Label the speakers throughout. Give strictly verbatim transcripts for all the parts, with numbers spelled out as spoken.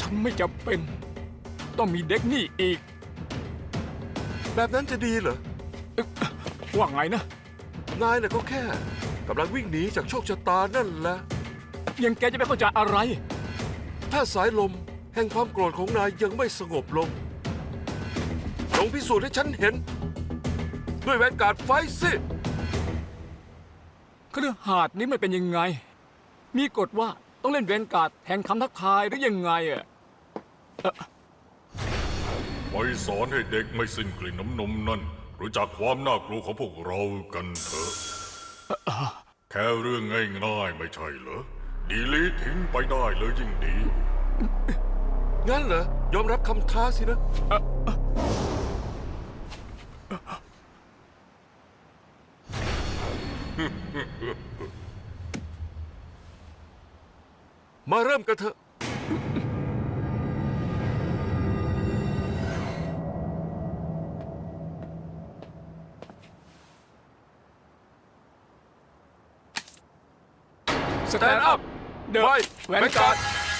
Speaker 1: ฉันไม่จำเป็น ต้องมีเด็กนี่อีก
Speaker 2: แบบนั้นจะดีเหรอ
Speaker 1: ว่าไงนะ
Speaker 2: นายน่ะก็แค่กำลังวิ่งหนีจากโชคชะตานั่นแหละ
Speaker 1: ยังแกจะไม่เข้าใจอะไร
Speaker 2: ถ้าสายลมแห่งความโกรธของนายยังไม่สงบลงลองพิสูจน์ให้ฉันเห็น ด้วยแวนการ์ดไฟสิ
Speaker 1: เครือหาดนี้มันเป็นยังไง มีกฎว่าต้องเล่นเวนการ์ดแทนคำทักทายหรือยังไงอ่ะ
Speaker 3: ไปสอนให้เด็กไม่สิ้นกลิ่นน้ำนมนั่นรู้จักความน่ากลัวของพวกเรากันเถอะ แค่เรื่องง่ายๆไม่ใช่เหรอ ดีลีททิ้งไปได้เลยยิ่งดี
Speaker 2: งั้นเหรอ ยอมรับคำท้าสินะ มาเริ่มกันเถอะ
Speaker 1: สแตนด์อัพ เดอะ
Speaker 2: ไว้
Speaker 1: แวนการ์ด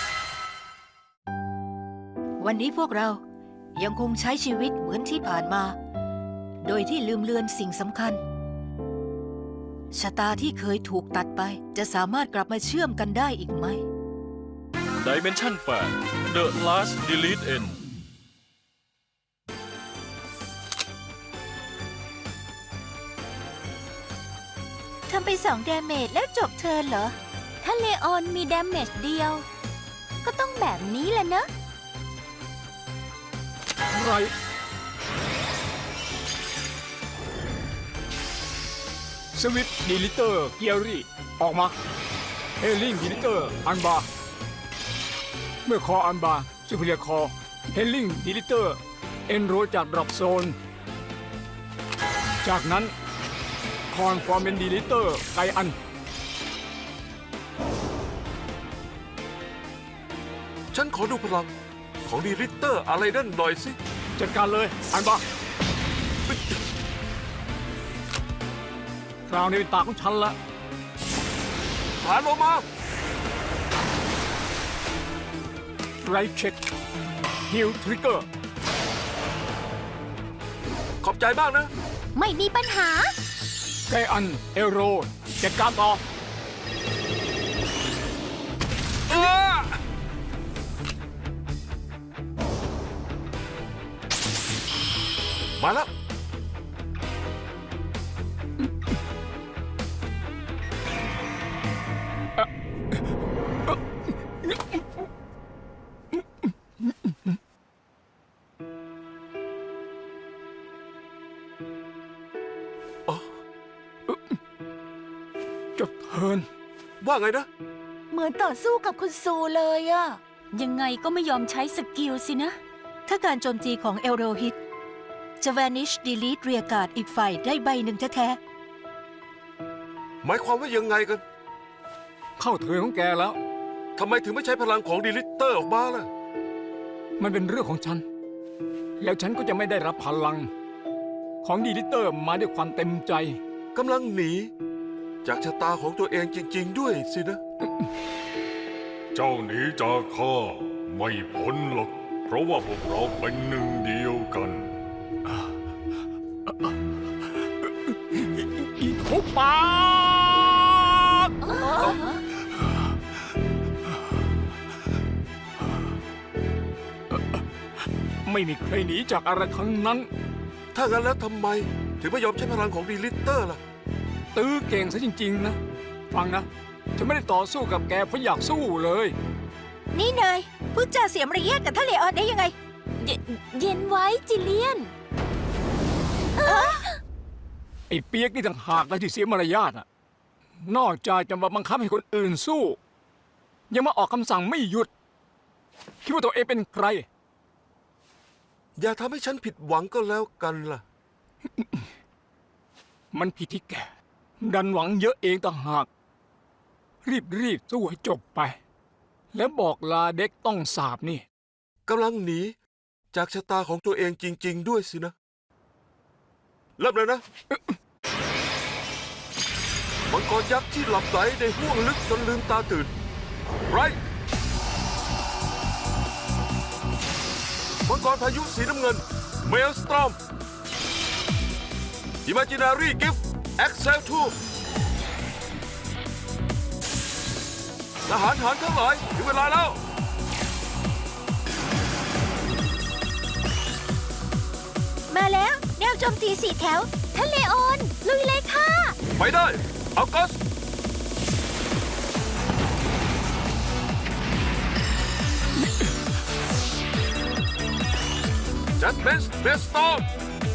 Speaker 4: วันนี้พวกเรายังคงใช้ชีวิตเหมือนที่ผ่านมา โดยที่ลืมเลือนสิ่งสำคัญ ชะตาที่เคยถูกตัดไปจะสามารถกลับมาเชื่อมกันได้อีกไหม
Speaker 5: Dimension แปด The Last Delete End
Speaker 4: ทำไปสองดาเมจแล้วจบเทิร์นเหรอ ถ้าเลออนมีดาเมจเดียว ก็ต้องแบบนี้แหละนะ
Speaker 1: ไรสวิตดีลิเตอร์เกียรี่ออกมาเฮลิงดีลิเตอร์อันบาเมื่อคออันบาซูเปอร์คอเฮลิงดีลิเตอร์เอนโรจากดรอปโซนจากนั้นคอนฟอร์เมนดีลิเตอร์ไกอัน
Speaker 2: ฉันขอดูพลังของดีริตเตอร์อะไรนั่นหน่อยสิ
Speaker 1: จัดการเลยอันบาคราวนี้เป็นตาของฉันละ
Speaker 2: ฐานลงมา
Speaker 1: ไรเช็คฮิลทริกเกอร์
Speaker 2: ขอบใจมากนะ
Speaker 4: ไม่มีปัญหา
Speaker 1: ไกอันเอโรจัดการต่อ
Speaker 2: มาแล้ว
Speaker 1: จบเทิร์น
Speaker 2: ว่าไงนะ
Speaker 4: เหมือนต่อสู้กับคุณซูเลยอะ
Speaker 6: ยังไงก็ไม่ยอมใช้สกิลสินะ
Speaker 4: ถ้าการโจมตีของเอโรฮิตจะ vanish delete เรียกาดอีกฝ่ายได้ใบหนึ่งแท้
Speaker 2: หมายความว่ายังไงกัน
Speaker 1: เข้าเทิร์นของแกแล้ว
Speaker 2: ทำไมถึงไม่ใช้พลังของดีลิตเตอร์ออกมาล่ะ
Speaker 1: มันเป็นเรื่องของฉัน แล้วฉันก็จะไม่ได้รับพลัง ของดีลิเตอร์มาด้วยความเต็มใจ
Speaker 2: กำลังหนี จากชะตาของตัวเองจริง ๆ ด้วยสินะ
Speaker 3: เจ้าหนีจากข้าไม่พ้นหรอก เพราะว่าพวกเราเป็นหนึ่งเดียวกัน
Speaker 1: อีกทุกปาก ไม่มีใครหนีจากอะไรทั้งนั้น
Speaker 2: ถ้างั้นแล้วทำไม ถึงไม่ยอมใช้พลังของดีลิตเตอร์ล่ะ
Speaker 1: ตื้อเก่งซะจริงๆนะ ฟังนะ ฉันไม่ได้ต่อสู้กับแกเพราะอยากสู้เลย
Speaker 4: ๆ นี่นายพูดจาเสียมารยาทกับท่านเลออนได้ยังไง
Speaker 6: เยเย็นไว้จิเลียน
Speaker 1: ไอ้เปียกนี่ต่างหากนะที่เสียมารยาทอ่ะ นอกจากจะมาบังคับให้คนอื่นสู้ ยังมาออกคำสั่งไม่หยุด คิดว่าตัวเองเป็นใคร
Speaker 2: อย่าทำให้ฉันผิดหวังก็แล้วกันล่ะ
Speaker 1: มันผิดที่แก ดันหวังเยอะเองต่างหาก รีบรีบสู้ให้จบไป แล้วบอกลาเด็กต้องสาบนี่
Speaker 2: กำลังหนี จากชะตาของตัวเองจริง ๆ ด้วยสินะ เริ่มเลยนะ มังกรยักษ์ที่หลับไหลในห้วงลึกจนลืมตาตื่นไรมังกรพายุสีน้ำเงินเมลสตรอมอิมาจินารีกิฟต์เอ็กเซลทูทหารหารทั้งหลายถึงเวลาแล้ว
Speaker 6: มาแล้วแนวโจมตีสี่แถวท่านเลโอน ลุยเลยค่ะ
Speaker 2: ไปได้ออกัสจัดเบสเบสตอม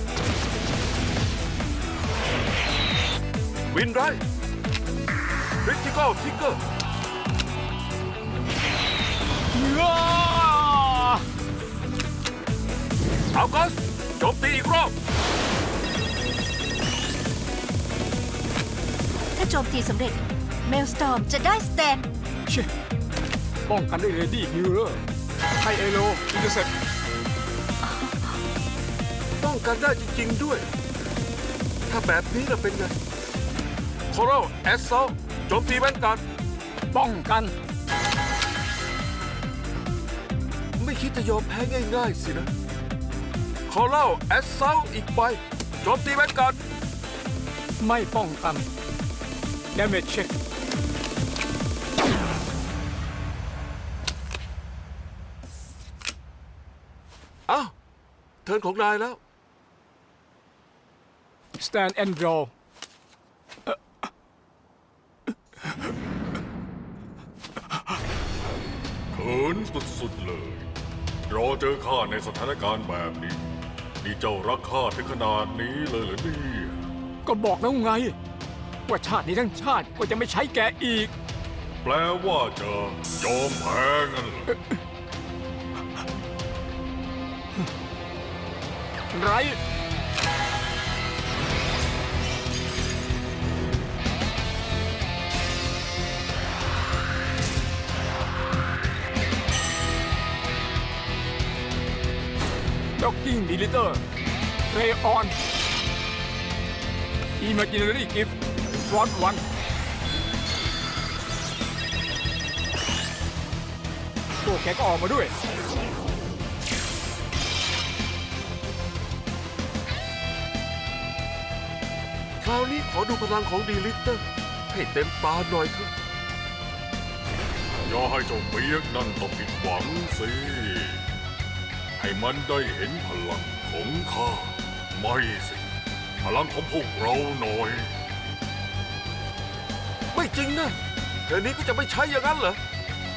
Speaker 2: วินไรคริติคอลทิกเกอร์ออกัสโจมตีอีกรอบ
Speaker 4: ถ้าโจมตีสำเร็จเมลสตอมจะได้สแตน
Speaker 1: เช่ป้องกันด้วยเรดี้ฮิลเลอร์ให้เอโลอินเตอร์เซ็ป
Speaker 2: ป้องกันได้จริงๆด้วย ถ้าแบบนี้เราเป็นไงคอรัลแอสซอลโจมตีแวนการ์ด
Speaker 1: ป้องกัน
Speaker 2: ไม่คิดจะยอมแพ้ง่ายๆสินะคอรัลแอสซอลอีกใบโจมตีแวนการ์ด
Speaker 1: ไม่ป้องกัน damage check
Speaker 2: อ้าวเทิร์นของนายแล้ว
Speaker 1: stand and draw
Speaker 3: เขินสุดๆเลย รอเจอข้าในสถานการณ์แบบนี้ นี่เจ้ารักข้าถึงขนาดนี้เลยเหรอเนี่ย
Speaker 1: ก็บอกแล้วไง ว่าชาตินี้ทั้งชาติก็จะไม่ใช้แกอีก
Speaker 3: แปลว่าจะยอมแพ้งั้นเหรอ
Speaker 1: ไรด็อกกิ้งดีลิเตอร์เรออนอิม a จินารีกิฟต์ฟรอนต์วันพวกแกก็ออกมาด้วย
Speaker 2: คราวนี้ขอดูพลังของดีลิเตอร์ให้เต็มตาหน่อยเถอะ
Speaker 3: อย่าให้เจ้าเปียกนั่นต้องผิดหวังสิ ให้มันได้เห็นพลังของข้า ไม่สิ พลังของพวกเราหน่อย
Speaker 2: ไม่จริงนะเดี๋ยวนี้ก็จะไม่ใช้อย่างนั้นเหรอ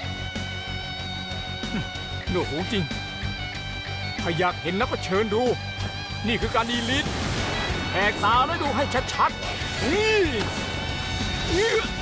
Speaker 1: หนูหูจริง ถ้าอยากเห็นแล้วก็เชิญดู นี่คือการดีลิทแหกตาแล้วดูให้ชัดๆนี่นี่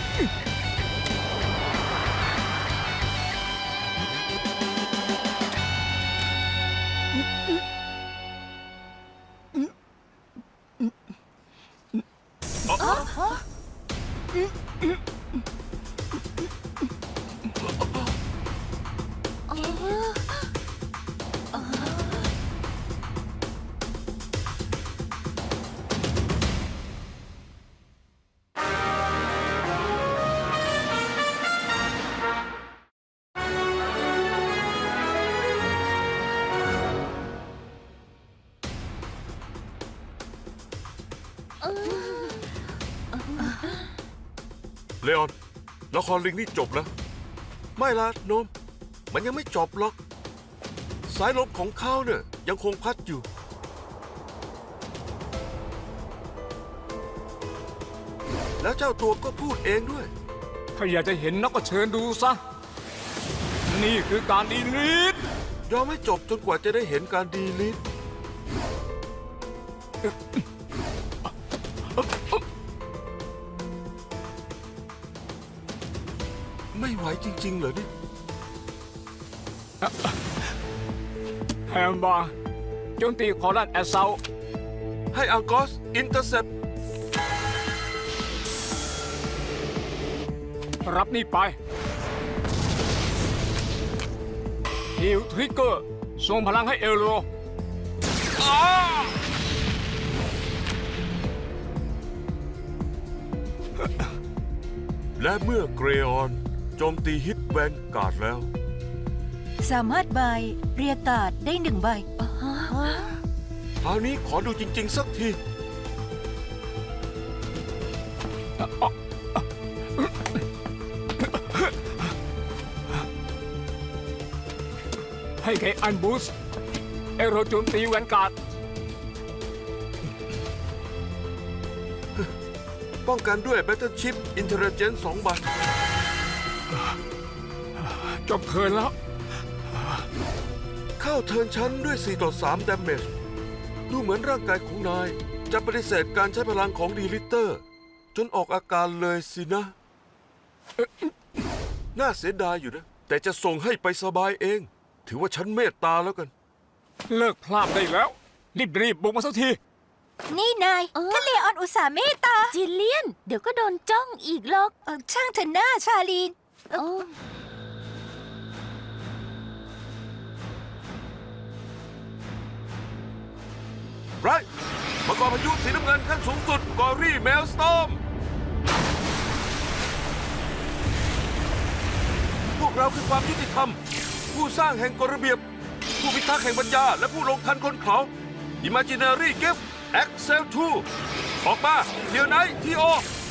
Speaker 2: เลออนละครลิงนี่จบแล้ว ไม่ละโนม มันยังไม่จบหรอก สายลมของเขาเนี่ยยังคงพัดอยู่ แล้วเจ้าตัวก็พูดเองด้วย
Speaker 1: ถ้าอยากจะเห็นนักก็เชิญดูซะ นี่คือการดีลิท
Speaker 2: ยอมให้จบจนกว่าจะได้เห็นการดีลิทไม่ไหวจริงๆเหรอเนี่ย
Speaker 1: แฮมบาร์โจมตีคอรันแอสเซล
Speaker 2: ให้อังกอสอินเตอร์เซป
Speaker 1: รับนี่ไปฮิลทริกเกอร์ส่งพลังให้เอโร
Speaker 2: และเมื่อเกรออนโจมตีฮิตแวนการ์ดแล้ว
Speaker 4: สามารถบายเรียกการ์ดได้หนึ่งใบ
Speaker 2: คราวนี้ขอดูจริง ๆ สักที
Speaker 1: ให้ไกอันบูสเอโรโจมตีแวนการ์ด
Speaker 2: ป้องกันด้วย Battleship Intelligence สองใบ
Speaker 1: จบเทิร์นแล้ว
Speaker 2: เข้าเทิร์นชั้นด้วย สี่ต่อสาม damage ดูเหมือนร่างกายของนาย จะปฏิเสธการใช้พลังของดีลิเตอร์ จนออกอาการเลยสินะเอ๊ะน่าเสียดายอยู่นะ แต่จะส่งให้ไปสบายเอง ถือว่าฉันเมตตาแล้วกัน
Speaker 1: เลิกพลาดได้แล้ว รีบๆบุกมาสักที
Speaker 6: นี่นายท่านเลออนอุตส่าห์เมตตา จิลเลียน เดี๋ยวก็โดนจ้องอีกหรอก
Speaker 4: เอ่อช่างเถอะหน้าชาลีน
Speaker 6: โอ้
Speaker 2: ไรมังกรพายุสีน้ำเงินขั้นสูงสุดกอรี่เมลสตอม พวกเราคือความยุติธรรม ผู้สร้างแห่งกฎระเบียบ ผู้พิทักษ์แห่งปัญญา และผู้ลงทันคนเขา Imaginary Gift Excel ทู ออกมาเดี๋ยวไหนทีโอ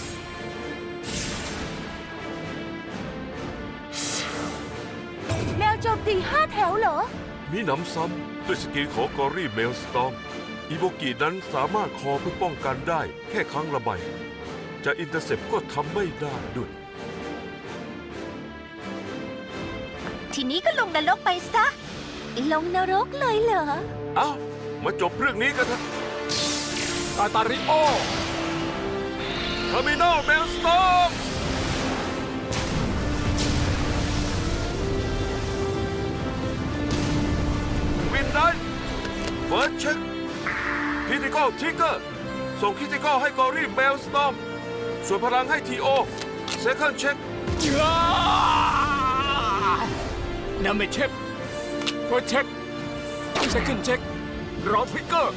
Speaker 6: แมวโจมตีห้าแถวเหรอ
Speaker 2: มีหนำซ้ำด้วยสกิลของกอรี่เมลสตอมอีโบกีนั้นสามารถคอเพื่อป้องกันได้แค่ครั้งละใบ จะอินเตอร์เซปก็ทำไม่ได้ด้วย
Speaker 6: ทีนี้ก็ลงนรกไปซะ ลงนรกเลยเหรอ
Speaker 2: เอ้า มาจบเรื่องนี้กันเถอะ
Speaker 1: กาตาริโอ
Speaker 2: เทอร์มินอลเมลสตอมวินได้เฟิร์สเช็คคริติคอลทริกเกอร์ส่งคริติคอลให้กอรี่เมลสตอมส่วนพลังให้ทีโอเซคันด์เช็ค
Speaker 1: นำไปเช็คเฟิร์สเช็คเซคันด์เช็ครอทริกเกอร์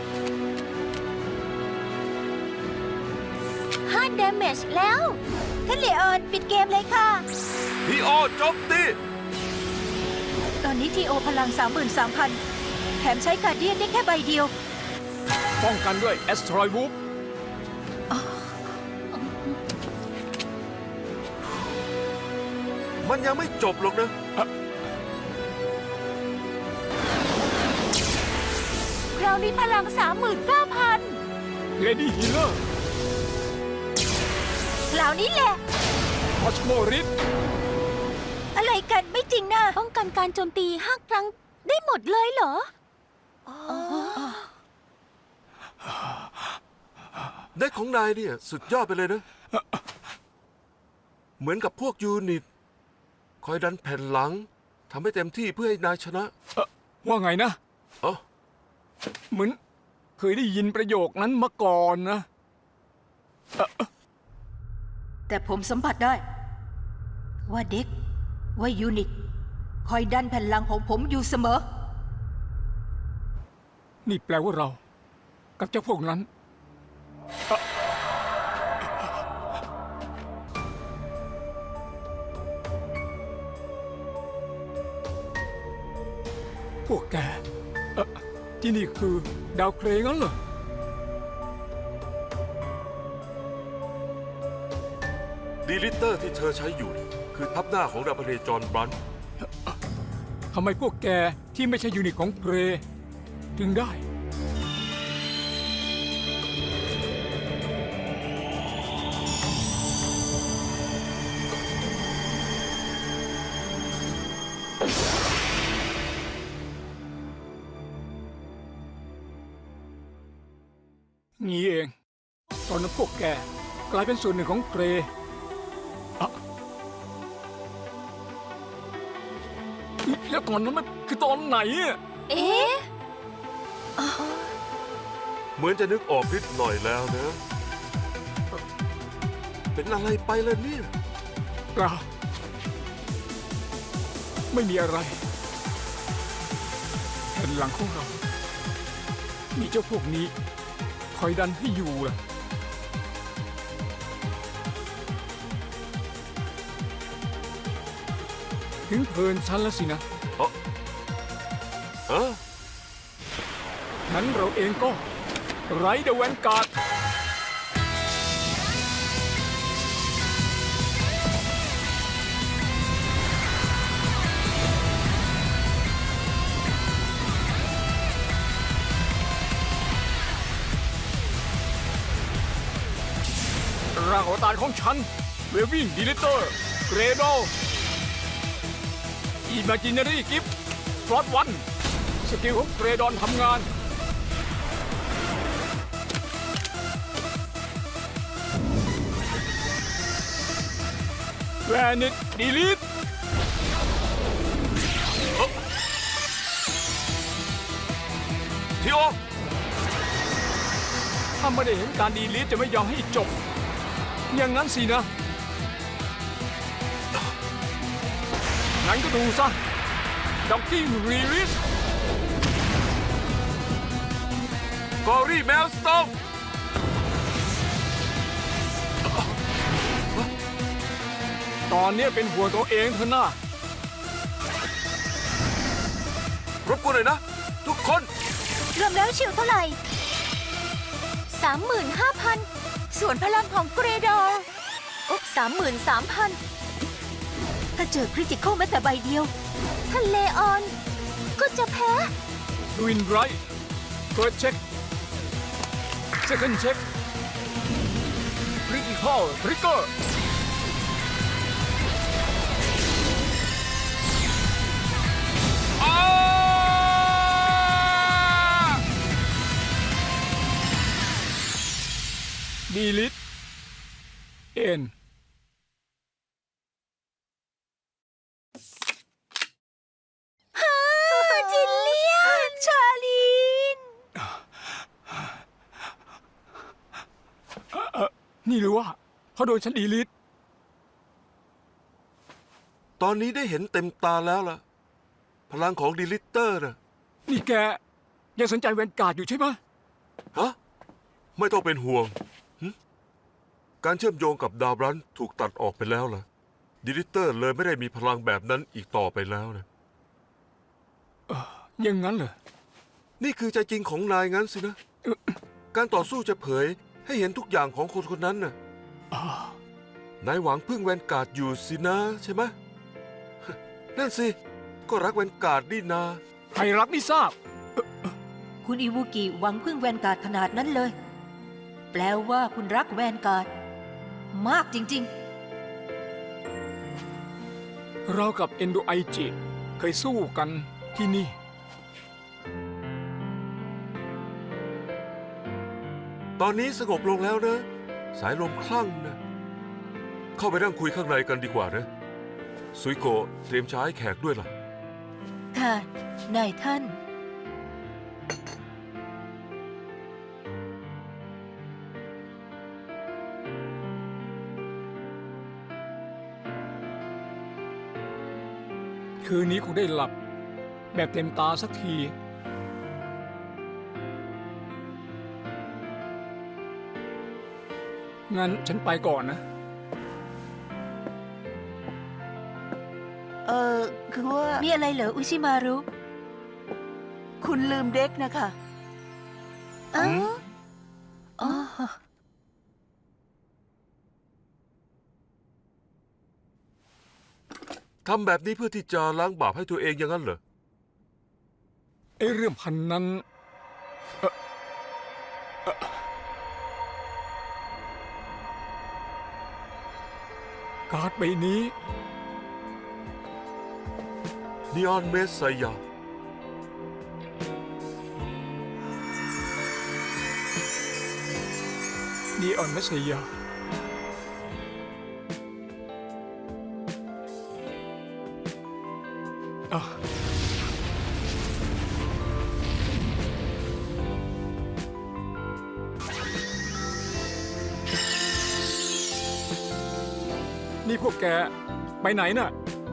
Speaker 6: ห้า damage แล้ว
Speaker 4: ท่านเลออนปิดเกมเลยค่ะ
Speaker 2: ทีโอโจมตี
Speaker 4: ตอนนี้ทีโอพลัง สามหมื่นสามพัน แถมใช้การเดียนได้แค่ใบเดียว
Speaker 1: ป้องกันด้วยแอสทรอยวูฟ
Speaker 2: มันยังไม่จบหรอกนะ
Speaker 6: คราวนี้พลัง สามหมื่นเก้าพัน
Speaker 1: เลดี้ฮีเลอร์
Speaker 4: คราวนี้แหละ
Speaker 1: คอสโมริส
Speaker 4: อะไรกันไม่จริงนะ
Speaker 6: ป้องกันการโจมตีห้าครั้งได้หมดเลยเหรอ
Speaker 2: ได้ของนายเนี่ยสุดยอดไปเลยนะ เหมือนกับพวกยูนิต คอยดันแผ่นหลังทำให้เต็มที่เพื่อให้นายชนะ
Speaker 1: เอ่อว่าไงนะ
Speaker 2: เอ้า
Speaker 1: เหมือนเคยได้ยินประโยคนั้นมาก่อนนะ
Speaker 4: แต่ผมสัมผัสได้ ว่าเด็ก ว่ายูนิต คอยดันแผ่นหลังของผมอยู่เสมอ
Speaker 1: นี่แปลว่าเรา กับเจ้าพวกนั้นเอ่อพวกแกเอ่อที่นี่คือดาวเคราะห์งั้นเหรอ
Speaker 2: ดีลิเตอร์ที่เธอใช้อยู่ คือทับหน้าของดาวพเนจรบรัน
Speaker 1: ทำไมพวกแกที่ไม่ใช่ยูนิตของเพรถึงได้ งี้เอง ตอนนั้นพวกแกกลายเป็นส่วนหนึ่งของเพรอะแล้วตอนนั้นมันคือตอนไหนอะ
Speaker 6: เอ๊ะ
Speaker 2: เหมือนจะนึกออกนิดหน่อยแล้วนะ เป็นอะไรไปล่ะเนี่ย
Speaker 1: เปล่าไม่มีอะไรแผ่นหลังของเรา มีเจ้าพวกนี้ คอยดันให้อยู่ล่ะ ถึงเพลินฉันแล้วสินะ
Speaker 2: เอ้าออ
Speaker 1: งั้นเราเองก็ไรเดอะแวนการ์ดร่างอวตารของฉัน เววิ่งดีลิเตอร์ เกรโดอิม a จินารีกิฟต์ฟลอตวันสกิลของเกรดอนทำงานแวนิตดีลิท
Speaker 2: ทีโอ
Speaker 1: ถ้าไม่ได้เห็นการดีลิทจะไม่ยอมให้จบ อย่างนั้นสินะ งั้นก็ดูซะด็อกกิ้งรีลิส
Speaker 2: กอรี่แมลสโตน
Speaker 1: ตอนนี้เป็นหัวตัวเองเถอะนะ
Speaker 2: รบกวนหน่อยนะ ทุกคน
Speaker 6: รวมแล้วชิวเท่าไหร่สามหมื่นห้าพันส่วนพลังของเกรดอร์อุ๊บสามหมื่นสามพัน
Speaker 4: ถ้าเจอคริติคอลแม้แต่ใบเดียว
Speaker 6: ท่านเลออน ก็จะแพ้
Speaker 1: ดูอินไรท์เฟิร์สเช็คเซคันด์เช็คคริติคอลทริกเกอร์ดีลิทเอ็น
Speaker 6: จิลเลียน ชาลีน
Speaker 1: นี่หรือว่าเขาโดนฉันดีลิท
Speaker 2: ตอนนี้ได้เห็นเต็มตาแล้วล่ะ พลังของดีลิเตอร์นะ
Speaker 1: นี่แกยังสนใจแวนการ์ดอยู่ใช่ไหม
Speaker 2: ฮะ ไม่ต้องเป็นห่วงหึการเชื่อมโยงกับดาวรันถูกตัดออกไปแล้วล่ะดีลิเตอร์เลยไม่ได้มีพลังแบบนั้นอีกต่อไปแล้วนะ
Speaker 1: ยังงั้นเหรอ
Speaker 2: นี่คือใจจริงของนายงั้นสินะ การต่อสู้จะเผยให้เห็นทุกอย่างของคนคนนั้นน่ะ นายหวังพึ่งแวนการ์ดอยู่สินะใช่ไหม นั่นสิ ก็รักแวนการ์ดนี่นา
Speaker 1: ใครรักนี่ทราบ
Speaker 4: คุณอิวุกิหวังพึ่งแวนการ์ดขนาดนั้นเลย แปลว่าคุณรักแวนการ์ดมากจริง
Speaker 1: เรากับเอนโดไอจิเคยสู้กันที่นี่
Speaker 2: ตอนนี้สงบลงแล้วนะ สายลมคลั่งนะ เข้าไปนั่งคุยข้างในกันดีกว่านะ ซุยโกะเตรียมชาให้แขกด้วยล่ะ
Speaker 4: ๆ ค่ะ นายท่าน
Speaker 1: คืนนี้คงได้หลับ แบบเต็มตาสักที งั้นฉันไปก่อนนะ
Speaker 7: เออคือว่า
Speaker 4: มีอะไรเหรออุชิมารุ
Speaker 7: คุณลืมเด็กนะคะ
Speaker 4: อ๋อ
Speaker 2: หืม
Speaker 4: อ๋อ
Speaker 2: ทำแบบนี้เพื่อที่จะล้างบาปให้ตัวเองอย่างนั้นเหรอ
Speaker 1: ไอ้เรื่องพันนั้นเอ่อเอ่อการ์ดใบนี้
Speaker 2: นีออนเมสไซยา
Speaker 1: นีออนมัสยา อ่ะ นี่พวกแก ไปไหนน่ะ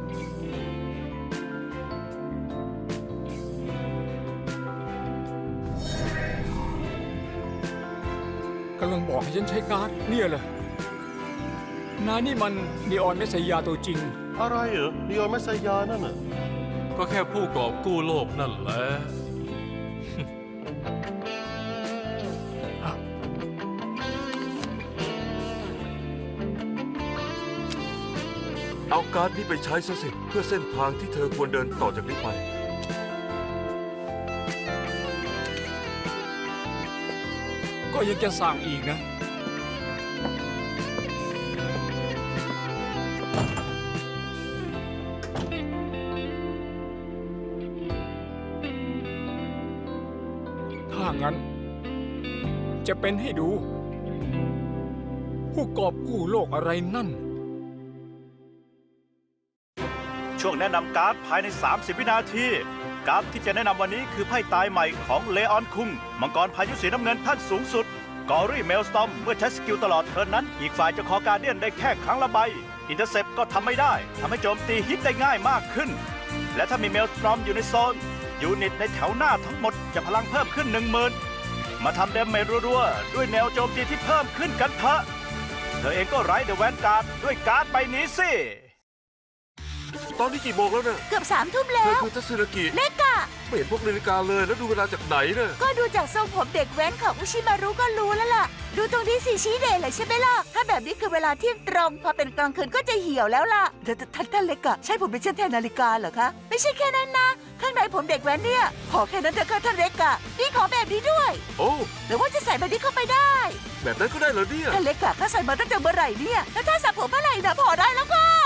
Speaker 1: กำลังบอกให้ฉันใช้การ์ดเนี่ยเหรอนายนี่มันนีออนเมสยาตัวจริง
Speaker 8: อะไรเหรอนีออนแมสยานั่นน่ะ ก็
Speaker 5: ก็แค่ผู้กอบกู้โลกนั่นแหละ
Speaker 2: เอาการ์ดนี้ไปใช้ซะสิ เพื่อเส้นทางที่เธอควรเดินต่อจากนี้ไป
Speaker 1: ก็ยังจะสั่งอีกนะ ถ้างั้น จะเป็นให้ดู ผู้กอบกู้โลกอะไรนั่น
Speaker 8: ช่วงแนะนำการ์ดภายใน สามสิบ วินาที การ์ดที่จะแนะนำวันนี้คือไพ่ตายใหม่ของเลออนคุงมังกรพายุสีน้ำเงินท่านสูงสุด กอรี่เมลสตอมเมื่อใช้สกิลตลอดเทิร์นนั้น อีกฝ่ายจะขอการเดียนได้แค่ครั้งละใบ อินเตอร์เซปก็ทำไม่ได้ทำให้โจมตีฮิตได้ง่ายมากขึ้น และถ้ามีเมลสตอมอยู่ในโซน ยูนิตในแถวหน้าทั้งหมดจะพลังเพิ่มขึ้น หนึ่งหมื่น มาทำเดมเมจรัวๆด้วยแนวโจมตีที่เพิ่มขึ้นกันเถอะเธอเองก็ไร้เดอะแวนการ์ดด้วยการ์ดใบนี้สิ
Speaker 2: ตอนนี้กี่โมงแล้วเนี่ย
Speaker 6: เกือบสามทุ่ม
Speaker 2: เธ
Speaker 6: แล้
Speaker 2: อ
Speaker 6: ว
Speaker 2: คือทัศนกิ
Speaker 6: เล็กอะ
Speaker 2: ไม่เห็นพวกนาฬิกาเลยแล้วดูเวลาจากไหนเนี่ย
Speaker 6: ก็ดูจากทรงผมเด็กแว้นของอุชิมารุก็รู้แล้วล่ะ ดูตรงที่สีชี้เดย์เลยใช่ไหมล่ะ ถ้าแบบนี้คือเวลาเที่ยงตรง พอเป็นกลางคืนก็จะเหี่ยวแล้วล่ะ
Speaker 7: ท่านท่านท่านเล็กอะใช่ผมเป็นเช่นแทนนาฬิกาเหรอคะ
Speaker 6: ไม่ใช่แค่นั้นนะ ข้างในผมเด็กแว้นเนี่ย
Speaker 7: ขอแค่นั้นเถอะค่ะท่านเล็กอะ
Speaker 6: นี่ขอแบบนี้ด้วย
Speaker 2: โอ้
Speaker 6: หรือว่าจะใส่แบบนี้เข้าไปได้
Speaker 2: แบบนั้นก็ได้เหรอเนี่ย
Speaker 7: ท่านเล็กอะข้าใส่มาตั้งแต่เมื่อไหร่เนี่ย
Speaker 6: แล้วถ้าสระผมเมื่อไหร่นะพอได้แล้วก็